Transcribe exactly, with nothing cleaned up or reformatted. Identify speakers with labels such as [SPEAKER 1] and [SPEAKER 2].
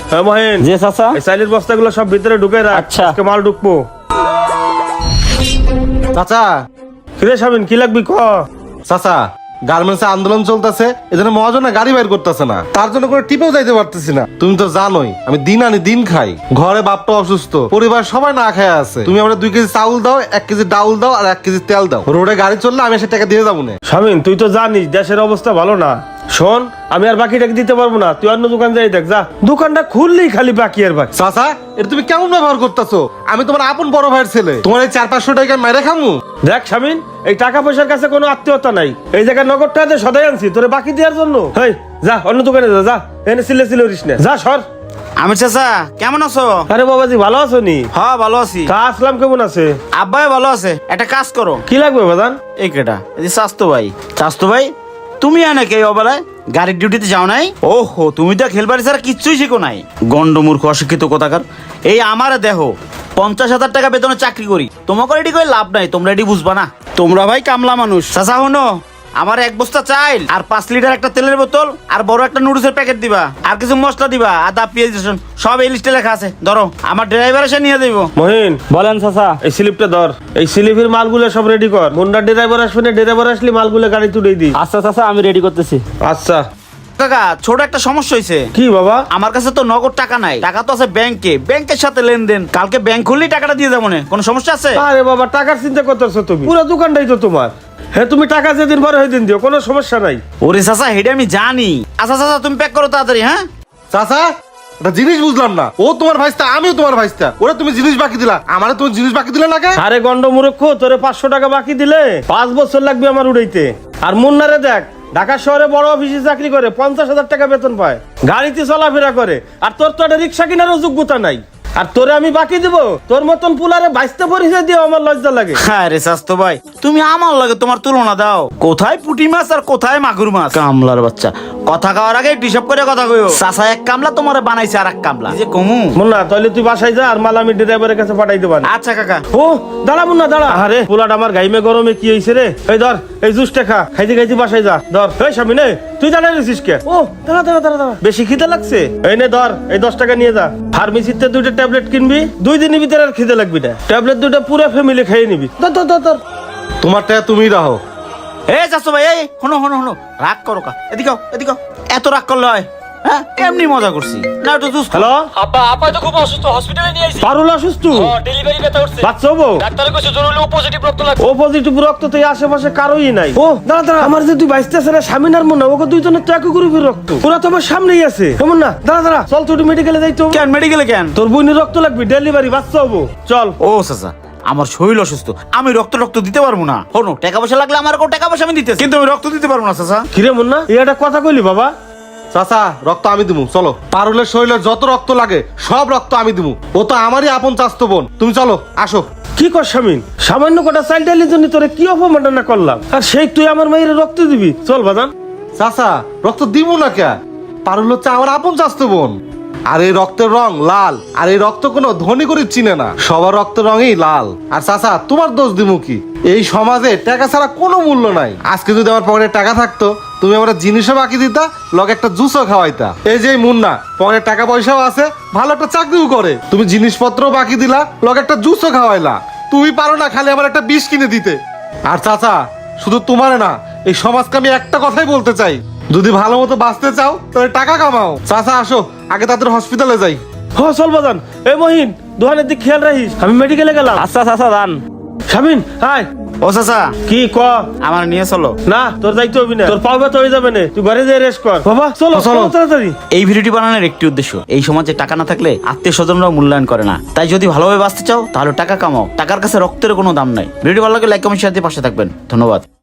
[SPEAKER 1] হ্যাঁ মহেন।
[SPEAKER 2] জি চাচা।
[SPEAKER 1] এই চাইলের বস্তাগুলো সব ভিতরে ঢুকে রাখ।
[SPEAKER 2] আচ্ছা।
[SPEAKER 1] আজকে মাল ঢুকবো।
[SPEAKER 3] চাচা
[SPEAKER 1] কিরে শামিন কি লাগবি ক?
[SPEAKER 3] চাচা গার্মেন্টস আন্দোলন চলতেছে, এজন্য মহাজনে গাড়ি বাইর করতেছে না, তার জন্য করে টিপেও যাইতে পারতেছি না। তুমি তো জানোই আমি দিন আনি দিন খাই, ঘরে বাপটা অসুস্থ, পরিবার সবাই না খায় আছে। তুমি আমরা দুই কেজি চাউল দাও, এক কেজি ডাউল দাও আর এক কেজি তেল দাও। রোডে গাড়ি চললে আমি এসে টাকা দিয়ে যাবো না।
[SPEAKER 1] শামিন তুই তো জানিস দেশের অবস্থা ভালো না। শোন আমি আর বাকি টাকা দিতে পারবো না, তুই অন্য দোকান যাই দেখ যা। দোকানটা খুললেই খালি বাকি আর বাকি।
[SPEAKER 3] চাচা এটা তুমি কেমন ব্যবহার করতেছো? আমি তোমার আপন বড় ভাইয়ের ছেলে, তোমার এই চার পাঁচশো টাকা মেরে খামু?
[SPEAKER 1] দেখ শামিন এই টাকা পয়সার কাছে কোনো আত্মীয়তা নাই। এই জায়গায় নগদ টাকা সদাই আনছি তোরে বাকি দেওয়ার জন্য। হেই যা অন্য দোকানে যা, যা এনে সিলে সিলে উড়িস না, যা সর।
[SPEAKER 4] আমি চাচা কেমন আছো?
[SPEAKER 1] আরে বাবাজি ভালো আছো নি?
[SPEAKER 4] হ্যাঁ ভালো আছি।
[SPEAKER 1] তা আসলাম কেমন আছে?
[SPEAKER 4] আব্বাই ভালো আছে। একটা কাজ করো।
[SPEAKER 1] কি লাগবে বাদান?
[SPEAKER 4] এই কেটা এই যে স্বাস্থ্য ভাই। স্বাস্থ্য ভাই তুমি আনে কে অবেলায় গাড়ির ডিউটিতে যাও নাই? ওহো তুমি তো খেলবাড়ি ছাড়া কিচ্ছুই শিখো নাই, গন্ড মূর্খ অশিক্ষিত কোথাকার। এই আমার দেহ পঞ্চাশ হাজার টাকা বেতনে চাকরি করি, তোমাকে এটি করে লাভ নাই, তোমরা এটি বুঝবা না। তোমরা ভাই কামলা মানুষ। চাচা হনো আমার এক বস্তা চাইল আর পাঁচ লিটার একটা তেলের বোতল আর বড় একটা নুডলসের প্যাকেট দিবা, আর কিছু মশলা দিবা, আদা পেঁয়াজ রসুন সব এই লিস্টে লেখা আছে। ধরো আমার ড্রাইভার এসে নিয়ে দেবো।
[SPEAKER 1] মহিন
[SPEAKER 2] বলেন চাচা।
[SPEAKER 1] এই স্লিপটা ধর, এই স্লিপের মালগুলো সব রেডি কর। মুন্ডার ড্রাইভার আসবে না, ড্রাইভার আসলে মালগুলো গাড়ি তুলে দি।
[SPEAKER 2] আচ্ছা চাচা আমি রেডি করতেছি।
[SPEAKER 1] আচ্ছা
[SPEAKER 4] কাকা ছোট একটা সমস্যা হয়েছে।
[SPEAKER 1] কি বাবা?
[SPEAKER 4] আমার কাছে তো নগদ টাকা নাই, টাকা তো আছে ব্যাংকে, ব্যাংকের সাথে লেনদেন। কালকে ব্যাংক খুললেই টাকাটা দিয়ে যাবো না, কোনো সমস্যা আছে?
[SPEAKER 1] আরে বাবা টাকার চিন্তা করতেছো তুমি? পুরো দোকানটাই তো তোমার। হ্যাঁ তুমি টাকা যেদিন ভরে ওই দিন দিও, কোনো সমস্যা নাই।
[SPEAKER 4] ওরে চাচা হেডে আমি জানি। আচ্ছা চাচা তুমি প্যাক করো তাড়াতাড়ি। হ্যাঁ
[SPEAKER 3] চাচা একটা জিনিস বুঝলাম না, ও তোমার ভাইস্তা আমিও তোমার ভাইস্তা, ওরা তুমি জিনিস বাকি দিলা, আমারে তুমি জিনিস বাকি দিলে না কেন?
[SPEAKER 1] আরে গন্ড মূর্খ, তোরে পাঁচশো টাকা বাকি দিলে পাঁচ বছর লাগবে আমার উড়াইতে। আর মুন্নারে দেখ ঢাকা শহরে বড় অফিসে চাকরি করে, পঞ্চাশ হাজার টাকা বেতন পায়, গাড়িতে চলাফেরা করে। আর তোর তো একটা রিক্সা কেনারও যোগ্যতা নাই, আর তোরে আমি বাকি দিব? তোর মতন পুলারে বাইশতে পরিচয় দিয়ে আমার লজ্জা লাগে।
[SPEAKER 4] হ্যাঁ রে স্বাস্থ্য ভাই তুমি আমার লাগে তোমার তুলনা দাও। কোথায় পুঁটি মাছ আর কোথায় মাগুর মাছ? কামলার বাচ্চা কথা খাওয়ার আগে হিসাব করে কথা কইও। চাচা এক কামলা তোমার বানাইছে আর এক কামলা, এই যে কমু।
[SPEAKER 1] মুন্না তাহলে তুই বাসায় যা, আর মাল আমি ড্রাইভারের কাছে পাঠাই দেব।
[SPEAKER 4] আচ্ছা কাকা।
[SPEAKER 1] ও দাঁড়া মুন্না দাঁড়া। আরে পোলাটা আমার গাইমে গরমে কি হয়েছে রে? এই ধর এই জুসটা খা, খাইতে খাইতে বাসায় যা। ধর এই স্বামী নে, তুই দাঁড়াই রয়েছিস কে? ও দাঁড়া দাঁড়া দাঁড়া দাঁড়া, বেশি খিদে লাগছে? এই নে ধর এই দশ টাকা নিয়ে যা। ফার্মেসিতে দুইটা ট্যাবলেট কিনবি, দুই দিনের ভিতরে আর খিদে লাগবি না। ট্যাবলেট দুটো পুরো ফ্যামিলি খেয়ে নিবি। ধর ধর ধর ধর।
[SPEAKER 3] তোমার টাকা তুমি রাখো।
[SPEAKER 4] এই চাচা ভাই এই হনো হনো হনো রাগ করো কা, এদিকে এদিকে। এত রাগ করলে হয়? হ্যাঁ এমনি মজা করছি না, একটু জুস।
[SPEAKER 1] হ্যালো
[SPEAKER 2] আব্বা আপা তো খুব অসুস্থ, হসপিটালে নিয়ে আইছি।
[SPEAKER 1] পারুল অসুস্থ?
[SPEAKER 2] ডেলিভারি ব্যথা উঠছে।
[SPEAKER 1] বাচ্চা হবো?
[SPEAKER 2] ডাক্তারে কইছে জরুরি পজিটিভ রক্ত লাগবে।
[SPEAKER 1] ও পজিটিভ রক্ত তো এই আশেপাশে কারোই নাই। ও দাঁড়া দাঁড়া, আমার যে তুই বাইসতেছে না স্বামীন আর মনে, ওকে দুইজনের তো একই গ্রুপের রক্ত, ওরা তো আমার সামনেই আছে। কেমন না? দাঁড়া দাঁড়া চল তুই মেডিকেলে যাই তো।
[SPEAKER 4] কেন মেডিকেলে কেন?
[SPEAKER 1] তোর বোনের রক্ত লাগবে, ডেলিভারি বাচ্চা হবো, চল।
[SPEAKER 4] ও চাচা আমার শরীর অসুস্থ, আমি রক্ত রক্ত দিতে পারবো না। হনো টাকা পয়সা লাগলে আমার কোনো টাকা পয়সা আমি দিতে, কিন্তু আমি রক্ত দিতে পারবো না চাচা।
[SPEAKER 1] কিরে মুন্না এই একটা কথা কইলি বাবা?
[SPEAKER 3] চাচা রক্ত আমি দিমু, চলো। পারুলের শরীরে যত রক্ত লাগে সব রক্ত আমি দিমু, ও তো আমারই আপন চাস্তো বোন। তুমি চলো আসো।
[SPEAKER 1] কি কর স্বামীন? সামান্য কটা চাইল্ড ডাইলের জন্য তোরে কি অপমাননা করলাম, আর সেই তুই আমার মায়ের রক্ত দিবি? চল বাজান।
[SPEAKER 3] চাচা রক্ত দিমু না কে? পারুল হচ্ছে আমার আপন চাস্তো বোন, আর এই রক্তের রং লাল, আর এই রক্ত কোনো ধনী করে চিনে না, সবার রক্তের রঙই লাল। আর চাচা তোমার দোষ দিমু কি? এই সমাজে টাকা ছাড়া কোনো মূল্য নাই। আজকে যদি আমার পকেটে টাকা থাকতো, তুমি আমার জিনিসও বাকি দিতা, লগে একটা জুসও খাওয়াইতা। এই যে মুন্না পকেটে টাকা পয়সাও আছে, ভালো একটা চাকরিও করে, তুমি জিনিসপত্র বাকি দিলা, লগে একটা জুসও খাওয়াইলা। তুমি পারো না খালি আমার একটা বিষ কিনে দিতে? আর চাচা শুধু তোমার না, এই সমাজকে আমি একটা কথাই বলতে চাই, যদি ভালো মতো বাঁচতে চাও তাহলে টাকা কামাও। চাচা আসো আগে তাদের হসপিটালে যাই।
[SPEAKER 1] হ চল বাজান। এই মহিন দোকানের দিক খেয়াল রাখিস, আমি মেডিকেলে গেলাম।
[SPEAKER 2] আচ্ছা চাচা যান।
[SPEAKER 1] স্বামীন হাই।
[SPEAKER 4] ও চাচা
[SPEAKER 1] কি ক?
[SPEAKER 4] আমার নিয়ে চলো।
[SPEAKER 1] না তোর যাইতে হবি না, তোর পাও ব্যথা হয়ে যাবে না, তুই ঘরে যাই রেস্ট কর। বাবা চলো চলো তাড়াতাড়ি।
[SPEAKER 4] এই ভিডিওটি বানানোর একটি উদ্দেশ্য, এই সমাজে টাকা না থাকলে আত্মীয় স্বজনরাও মূল্যায়ন করে না। তাই যদি ভালোভাবে বাঁচতে চাও তাহলে টাকা কামাও, টাকার কাছে রক্তের কোনো দাম নাই। ভিডিও ভালো লাগলে লাইক কমেন্ট শেয়ার দিয়ে পাশে থাকবেন। ধন্যবাদ।